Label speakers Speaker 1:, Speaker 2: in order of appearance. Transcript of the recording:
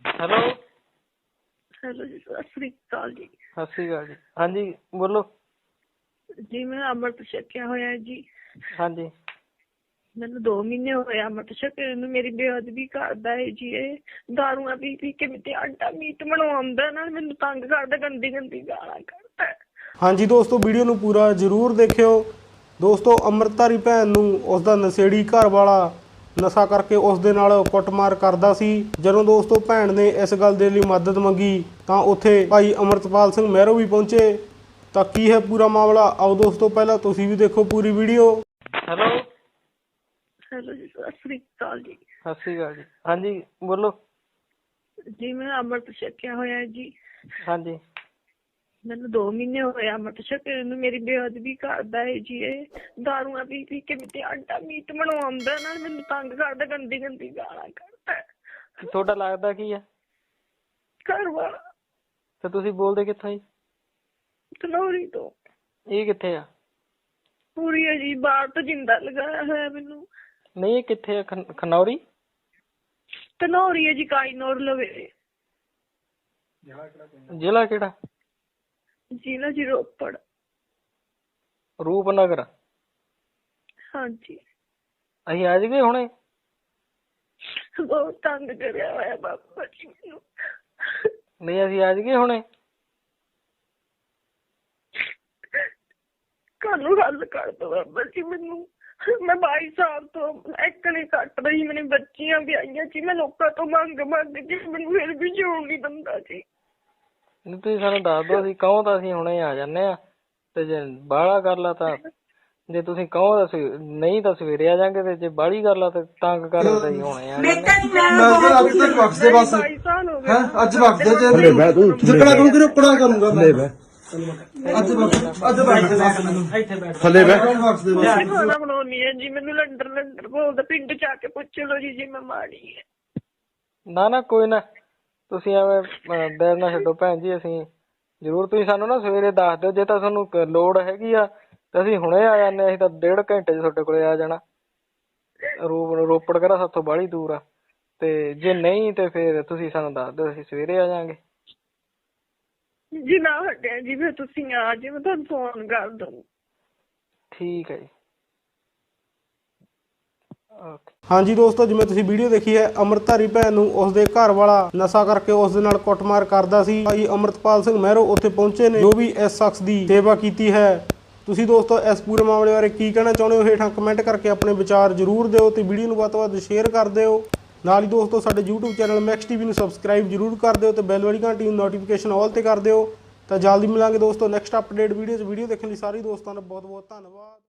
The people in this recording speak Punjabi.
Speaker 1: ਹੈਲੋ।
Speaker 2: ਹੈਲੋ ਜੀ, ਸਤਿ ਸ੍ਰੀ ਅਕਾਲ ਜੀ।
Speaker 1: ਸਤਿ ਸ਼੍ਰੀ ਅਕਾਲ ਜੀ। ਹਾਂਜੀ ਬੋਲੋ।
Speaker 2: ਜੀ ਮੈਂ ਅੰਮ੍ਰਿਤ ਛਕਿਆ ਹੋਇਆ ਜੀ।
Speaker 1: ਹਾਂਜੀ।
Speaker 2: ਮੈਨੂੰ 2 ਮਹੀਨੇ ਹੋਏ ਅੰਮ੍ਰਿਤ ਛਕੇ ਨੂੰ। ਮੇਰੀ ਬੇਅਦਬੀ ਕਰਦਾ ਹੈ ਜੀ। ਇਹ ਦਾਰੂਆਂ ਪੀ ਪੀ ਕੇ ਮੇਰੇ ਆਟਾ ਮੀਟ ਬਣਵਾਉਂਦਾ, ਨਾਲ ਮੈਨੂੰ ਤੰਗ ਕਰਦਾ, ਗੰਦੀ ਗੰਦੀ ਗਾਲਾਂ ਕੱਢਦਾ।
Speaker 3: ਹਾਂਜੀ ਦੋਸਤੋ, ਵੀਡੀਓ ਨੂੰ ਪੂਰਾ ਜ਼ਰੂਰ ਦੇਖਿਓ। ਦੋਸਤੋ, ਅੰਮ੍ਰਿਤਧਾਰੀ ਭੈਣ ਨੂੰ ਉਸਦਾ ਨਸ਼ੇੜੀ ਘਰ ਵਾਲਾ ਨਸ਼ਾ ਕਰਕੇ ਉਸ ਦੇ ਨਾਲ ਕੁੱਟਮਾਰ ਕਰਦਾ ਸੀ। ਜਦੋਂ ਦੋਸਤੋ ਭੈਣ ਨੇ ਇਸ ਗੱਲ ਦੇ ਲਈ ਮਦਦ ਮੰਗੀ ਤਾਂ ਉੱਥੇ ਭਾਈ ਅਮਰਤਪਾਲ ਸਿੰਘ ਮਹਿਰੋ ਵੀ ਪਹੁੰਚੇ। ਤਾਂ ਕੀ ਹੈ ਪੂਰਾ ਮਾਮਲਾ, ਆਓ ਦੋਸਤੋ ਪਹਿਲਾਂ ਤੁਸੀਂ ਵੀ ਦੇਖੋ ਪੂਰੀ ਵੀਡੀਓ।
Speaker 1: ਹੈਲੋ।
Speaker 2: ਹੈਲੋ ਜੀ, ਸਤਿ ਸ੍ਰੀ ਅਕਾਲ ਜੀ।
Speaker 1: ਸਤਿ ਸ਼੍ਰੀ ਅਕਾਲ ਜੀ। ਹਾਂਜੀ ਬੋਲੋ।
Speaker 2: ਜੀ ਮੈਂ ਅੰਮ੍ਰਿਤ ਛਕਿਆ ਹੋਇਆ ਜੀ।
Speaker 1: ਹਾਂਜੀ।
Speaker 2: ਮੈਨੂੰ 2 ਮਹੀਨੇ ਹੋਏ ਅੰਮ੍ਰਿਤ ਛਕੇ ਨੂੰ। ਮੇਰੀ ਬੇਅਦਬੀ ਕਰਦਾ ਹੈ ਜੀ। ਇਹ ਦਾਰੂਆਂ ਪੀ ਪੀ ਕੇ ਮੇਰੇ ਆਟਾ ਮੀਟ ਬਣਵਾਉਂਦਾ, ਨਾਲ ਮੈਨੂੰ ਤੰਗ ਕਰਦਾ, ਗੰਦੀ ਗੰਦੀ ਗਾਲਾਂ ਕੱਢਦਾ।
Speaker 1: ਤੁਹਾਡਾ ਲੱਗਦਾ ਕੀ ਆ?
Speaker 2: ਘਰ ਵਾਲਾ।
Speaker 1: ਤੇ ਤੁਸੀਂ ਬੋਲਦੇ ਕਿੱਥੋਂ ਜੀ?
Speaker 2: ਧਨੌਰੀ ਤੋਂ।
Speaker 1: ਇਹ ਕਿੱਥੇ ਆ?
Speaker 2: ਪੂਰੀ ਹੈ ਜੀ, ਬਾਹਰ ਤੋਂ ਜਿੰਦਾ ਲਗਾਇਆ ਹੋਇਆ ਮੈਨੂੰ।
Speaker 1: ਨਹੀਂ, ਇਹ ਕਿੱਥੇ ਆ? ਖਨੌਰੀ?
Speaker 2: ਧਨੌਰੀ ਹੈ ਜੀ, ਕਾਈਨੌਰ ਲਵੇ।
Speaker 1: ਜ਼ਿਲ੍ਹਾ ਕਿਹੜਾ?
Speaker 2: ਜ਼ਿਲ੍ਹਾ ਜੀ ਰੋਪੜ।
Speaker 1: ਰੂਪਨਗਰ।
Speaker 2: ਹਾਂਜੀ।
Speaker 1: ਅਸੀਂ ਆ ਜਾਈਏ ਹੁਣੇ?
Speaker 2: ਬਹੁਤ ਤੰਗ ਕਰਿਆ ਹੋਇਆ ਬਾਬਾ ਜੀ ਮੈਨੂੰ।
Speaker 1: ਨਹੀਂ, ਅਸੀਂ ਆ ਜਾਈਏ ਹੁਣੇ?
Speaker 2: ਕੱਲ ਨੂੰ ਹੱਲ ਕਰ ਦੋ ਬਾਬਾ ਜੀ ਮੈਨੂੰ। ਮੈਂ 22 ਸਾਲ ਤੋਂ ਇੱਕ ਨਹੀਂ ਕੱਟ ਰਹੀ, ਮੈਨੂੰ ਬੱਚੀਆਂ ਵੀ ਆਈਆਂ ਜੀ। ਮੈਂ ਲੋਕਾਂ ਤੋਂ ਮੰਗ ਕੇ ਮੈਨੂੰ ਫਿਰ ਵੀ ਜਿਉਣ ਨਹੀਂ ਦਿੰਦਾ ਜੀ।
Speaker 1: ਨਹੀਂ, ਤੁਸੀਂ ਸਾਨੂੰ ਦੱਸ ਦਿਓ, ਅਸੀਂ ਕਹੋ ਤਾਂ ਅਸੀਂ ਹੁਣੇ ਆ ਜਾਂਦੇ ਆ। ਤੇ ਜੇ ਬਾਹਲਾ ਕਰ ਲਾ ਤਾਂ, ਜੇ ਤੁਸੀਂ ਕਹੋ ਤਾਂ ਨਹੀਂ ਤਾਂ ਸਵੇਰੇ ਆ ਜਾਵਾਂਗੇ, ਤੇ ਜੇ ਬਾਹਲੀ ਕਰ ਲਾ ਤਾਂ ਤੰਗ ਕਰੋ ਤਾਂ ਅਸੀਂ ਹੁਣੇ ਆ ਜਾਂਦੇ।
Speaker 4: ਅੱਜ ਤੱਕ ਵਕਦੇ ਬਸ
Speaker 2: 22 ਸਾਲ ਹੋ ਗਏ।
Speaker 4: ਹੈ ਅੱਜ ਵਕਦੇ ਜੇ ਜਿਕੜਾ ਕਰੂੰਗੀ ਰੁਕੜਾ ਕਰੂੰਗਾ ਮੈਂ ਅੱਜ ਵਕਦੇ ਬਸ ਮੈਨੂੰ
Speaker 3: ਥੱਲੇ ਬਹਿ।
Speaker 2: ਖਾਣਾ ਬਣਾਉਣੀ ਹੈ ਜੀ। ਮੈਨੂੰ ਲੰਡਰ ਬੋਲਦਾ, ਪਿੰਡ ਚ ਆ ਕੇ ਪੁੱਛ ਲਓ ਜੀ ਜੇ ਮੈਂ ਮਾੜੀ ਹੈ।
Speaker 1: ਨਾ ਕੋਈ ਨਾ, ਤੁਸੀਂ ਐਵੇਂ ਦਿਲ ਨਾ ਛੱਡੋ ਭੈਣ ਜੀ। ਅਸੀਂ ਜ਼ਰੂਰ, ਤੁਸੀਂ ਸਾਨੂੰ ਨਾ ਸਵੇਰੇ ਦੱਸ ਦਿਓ। ਜੇ ਤਾਂ ਤੁਹਾਨੂੰ ਲੋੜ ਹੈਗੀ ਆ ਤਾਂ ਅਸੀਂ ਹੁਣੇ ਆ ਜਾਂਦੇ ਹਾਂ। ਅਸੀਂ ਤਾਂ 1.5 ਘੰਟੇ 'ਚ ਤੁਹਾਡੇ ਕੋਲੇ ਆ ਜਾਣਾ। ਰੋਪੜ ਕਿਹੜਾ ਸਾਥੋਂ ਬਾਹਲੀ ਦੂਰ ਆ। ਤੇ ਜੇ ਨਹੀਂ ਤੇ ਫਿਰ ਤੁਸੀਂ ਸਾਨੂੰ ਦੱਸ ਦਿਓ, ਅਸੀਂ ਸਵੇਰੇ ਆ ਜਾਵਾਂਗੇ
Speaker 2: ਜੀ। ਨਾ ਹਟਿਆ ਜੀ, ਫਿਰ ਤੁਸੀਂ ਆ ਜੀ, ਮੈਂ ਤੁਹਾਨੂੰ ਫੋਨ ਕਰ ਦੂੰ।
Speaker 1: ਠੀਕ ਹੈ ਜੀ। ਓਕੇ।
Speaker 3: ਹਾਂਜੀ ਦੋਸਤੋ, ਜਿਵੇਂ ਤੁਸੀਂ ਵੀਡੀਓ ਦੇਖੀ ਹੈ, ਅੰਮ੍ਰਿਤਧਾਰੀ ਭੈਣ ਨੂੰ ਉਸਦੇ ਘਰ ਵਾਲਾ ਨਸ਼ਾ ਕਰਕੇ ਉਸ ਦੇ ਨਾਲ ਕੁੱਟਮਾਰ ਕਰਦਾ ਸੀ। ਭਾਈ ਅਮਰਤਪਾਲ ਸਿੰਘ ਮਹਿਰੋ ਉੱਥੇ ਪਹੁੰਚੇ ਨੇ, ਜੋ ਵੀ ਇਸ ਸ਼ਖਸ ਦੀ ਸੇਵਾ ਕੀਤੀ ਹੈ। ਤੁਸੀਂ ਦੋਸਤੋ ਇਸ ਪੂਰੇ ਮਾਮਲੇ ਬਾਰੇ ਕੀ ਕਹਿਣਾ ਚਾਹੁੰਦੇ ਹੋ, ਹੇਠਾਂ ਕਮੈਂਟ ਕਰਕੇ ਆਪਣੇ ਵਿਚਾਰ ਜ਼ਰੂਰ ਦਿਓ ਤੇ ਵੀਡੀਓ ਨੂੰ ਵੱਧ ਤੋਂ ਵੱਧ ਸ਼ੇਅਰ ਕਰ ਦਿਓ। ਨਾਲ ਹੀ ਦੋਸਤੋ ਸਾਡੇ YouTube ਚੈਨਲ ਮੈਕਸ ਟੀਵੀ ਨੂੰ ਸਬਸਕ੍ਰਾਈਬ ਜ਼ਰੂਰ ਕਰ ਦਿਓ ਤੇ ਬੈਲ ਵਾਲੀ ਘੰਟੀ ਨੂੰ ਨੋਟੀਫਿਕੇਸ਼ਨ ਆਲ ਤੇ ਕਰ ਦਿਓ। ਤਾਂ ਜਲਦੀ ਮਿਲਾਂਗੇ ਦੋਸਤੋ ਨੈਕਸਟ ਅਪਡੇਟ ਵੀਡੀਓ 'ਚ। ਵੀਡੀਓ ਦੇਖਣ ਲਈ ਸਾਰੇ ਦੋਸਤਾਂ ਦਾ ਬਹੁਤ ਬਹੁਤ ਧੰਨਵਾਦ।